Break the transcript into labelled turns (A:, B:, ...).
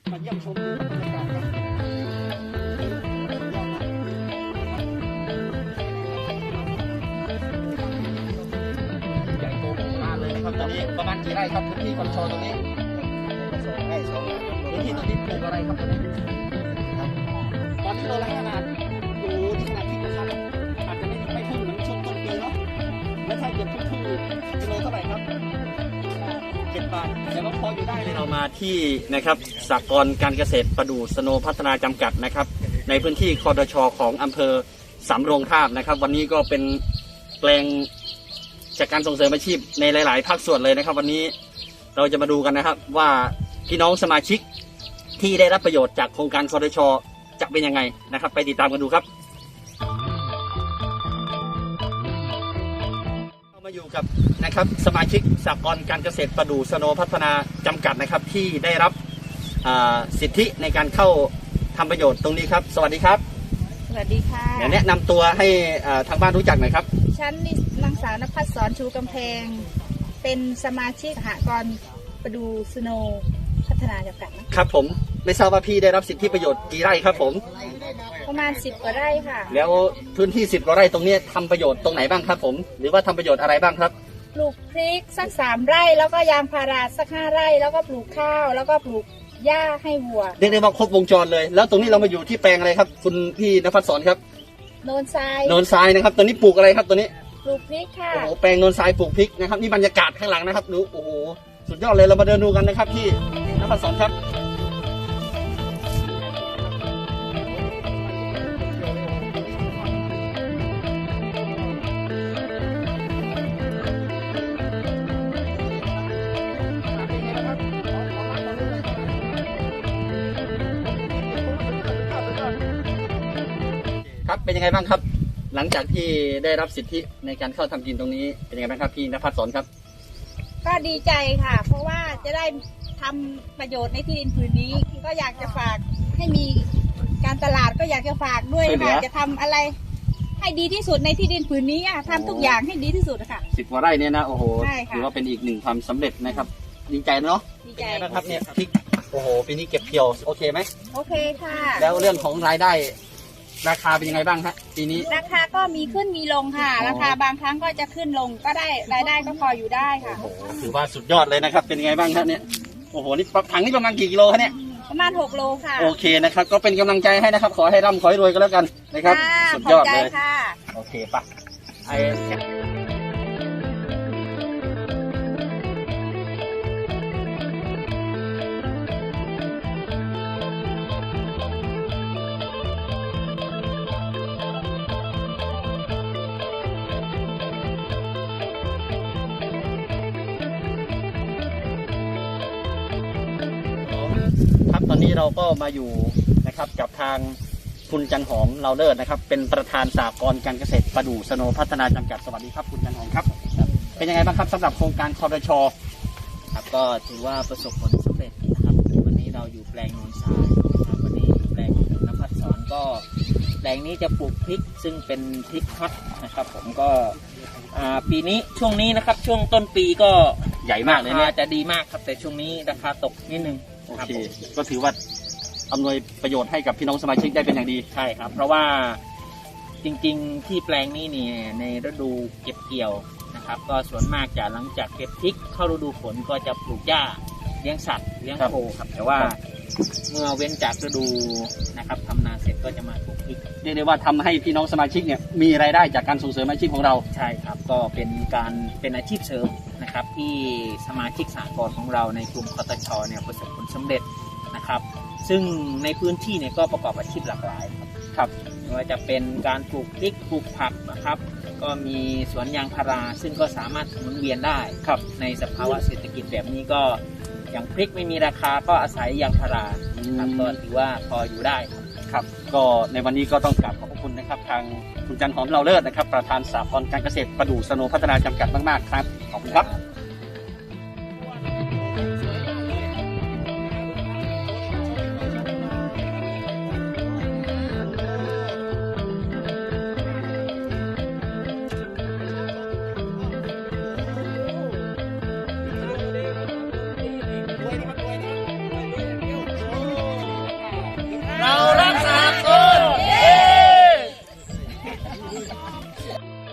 A: มาเยี่ยมชมดูบรรยากาศกันใหญ่โตโหฬารเลยนะครับตอนนี้ประมาณกี่ไร่ครับพื้นที่คอนโทรลตรงนี้2 ไร่ 2 ไร่พื้นที่ตรงนี้ปลูกอะไรครับตอนนี้ตอนที่เราล้างขนาดโอ้ที่ขนาดที่นะครับอาจจะไม่พุ่งเหมือนช่วงต้นปีเนาะแล้วถ้าเกิดพุ่งกิโลเท่าไหร่ครับ7 บาทแต่ว่าพออยู่ได้เลยเรามาที่นะครับสหกรณ์การเกษตรประดู่สโนพัฒนาจำกัดนะครับในพื้นที่คดช.ของอำเภอสำโรงทาบนะครับวันนี้ก็เป็นแปลงจากการส่งเสริมอาชีพในหลายๆภาคส่วนเลยนะครับวันนี้เราจะมาดูกันนะครับว่าพี่น้องสมาชิกที่ได้รับประโยชน์จากโครงการคดช.จะเป็นยังไงนะครับไปติดตามกันดูครับเรามาอยู่กับนะครับสมาชิกสหกรณ์การเกษตรประดู่สโนพัฒนาจำกัดนะครับที่ได้รับสิทธิในการเข้าทำประโยชน์ตรงนี้ครับสวัสดีครับ
B: สวัสดีค่ะ
A: เดี๋ยวแนะนำตัวให้ทางบ้านรู้จักหน่อยครับ
B: ฉันนางสาวนภัสสรชูกำแพงเป็นสมาชิกสหกรณ์ประดู่สโนพัฒนาจำกัด
A: นะครับผมไม่ทราบว่าพี่ได้รับสิทธิประโยชน์กี่ไร่ครับผม
B: ประมาณ10 กว่าไร่ค่ะ
A: แล้วพื้นที่10 กว่าไร่ตรงนี้ทำประโยชน์ตรงไหนบ้างครับผมหรือว่าทำประโยชน์อะไรบ้างครับ
B: ปลูกพริกสัก3 ไร่แล้วก็ยางพาราสัก5 ไร่แล้วก็ปลูกข้าวแล้วก็ปลูกหญ้าให้วัว
A: เรียกได้ว่าครบวงจรเลยแล้วตรงนี้เรามาอยู่ที่แปลงอะไรครับคุณพี่ณภัสสรครับ
B: โนนทราย
A: นะครับตัวนี้ปลูกอะไรครับตัวนี้
B: ปลูกพริกค่ะ
A: โอ้โหแปลงโนนทรายปลูกพริกนะครับนี่บรรยากาศข้างหลังนะครับดูโอ้โหสุดยอดเลยเรามาเดินดูกันนะครับพี่ณภัสสรครับครับเป็นยังไงบ้างครับหลังจากที่ได้รับสิทธิในการเข้าทำกินตรงนี้เป็นยังไงบ้างครับพี่ณภัสสรครับ
B: ก็ดีใจค่ะเพราะว่าจะได้ทำประโยชน์ในที่ดินผืนนี้ก็อยากจะฝากให้มีการตลาดก็อยากจะฝากด้วยค่ะจะทำอะไรให้ดีที่สุดในที่ดินผืนนี้ทำทุกอย่างให้ดีที่สุดค่ะ
A: 10 กว่าไร่เนี่ยนะโอ้โหถือว่าเป็นอีกหนึ่งความสำเร็จนะครับดีใจเนาะ
B: ดีใจ
A: นะครับเนี่ยพริกโอ้โหปีนี้เก็บเกี่ยวโอเคไหม
B: โอเคค่ะ
A: แล้วเรื่องของรายได้ราคาเป็นยังไงบ้างฮะปีนี้
B: ราคาก็มีขึ้นมีลงค่ะราคาบางครั้งก็จะขึ้นลงก็ได้รายได้ก็พออยู่ได้ค่ะ
A: ถือว่าสุดยอดเลยนะครับเป็นยังไงบ้างครับเนี่ยโอ้โหนี่ถังนี่ประมาณกี่กิโลครับเนี่ย
B: ประมาณ6 โลค่ะ
A: โอเคนะครับก็เป็นกำลังใจให้นะครับขอให้ร่ำขอให้รวยกันแล้วกันนะครับสุดยอดเลยโอเคปะครับตอนนี้เราก็มาอยู่นะครับกับทางคุณจันหอมเราเลิศนะครับเป็นประธานสหกรณ์การเกษตรประดู่สโนพัฒนาจำกัดสวัสดีครับคุณจันหอมครับเป็นยังไงบ้างครับสำหรับโครงการคดช.
C: ครับก็ถือว่าประสบผลสำเร็จนะครับวันนี้เราอยู่แปลงโนนทรายนะครับวันนี้อยู่แปลงณภัสสรก็แปลงนี้จะปลูกพริกซึ่งเป็นพริกฮอตนะครับผมก็ปีนี้ช่วงนี้นะครับช่วงต้นปีก็
A: ใหญ่มากเลยเนี่ย
C: จะดีมากครับแต่ช่วงนี้ราคาตกนิดนึง
A: โอเคก็ถือว่าอำนวยประโยชน์ให้กับพี่น้องสมาชิกได้เป็นอย่างดี
C: ใช่ครับเพราะว่าจริงๆที่แปลงนี้เนี่ยในฤดูเก็บเกี่ยวนะครับก็ส่วนมากจะหลังจากเก็บพริกเข้าฤดูฝนก็จะปลูกหญ้าเลี้ยงสัตว์เลี้ยงโคครับแต่ว่าเมื่อเว้นจากฤดูนะครับทำนาเสร็จก็จะมาปลูกพริก
A: เรียกได้ว่าทำให้พี่น้องสมาชิกเนี่ยมีรายได้จากการส่งเสริมอาชีพของเรา
C: ใช่ครับก็เป็นอาชีพเสริมนะครับที่สมาชิกสหกรณ์ของเราในกลุ่มคตช.เนี่ยประสบผลสำเร็จนะครับซึ่งในพื้นที่เนี่ยก็ประกอบอาชีพหลากหลายครับไม่ว่าจะเป็นการปลูกพริกปลูกผักนะครับก็มีสวนยางพาราซึ่งก็สามารถหมุนเวียนได้ครับในสภาวะเศรษฐกิจแบบนี้ก็อย่างพริกไม่มีราคาก็อาศัยยางพาราครับก็ถือว่าพออยู่ได้
A: ครับก็ในวันนี้ก็ต้องกราบขอบคุณนะครับทางคุณจันหอมเราเลิศนะครับประธานสหกรณ์การเกษตรประดู่สโนพัฒนาจำกัดมากๆครับขอบคุณครับ โ
B: ค่ะ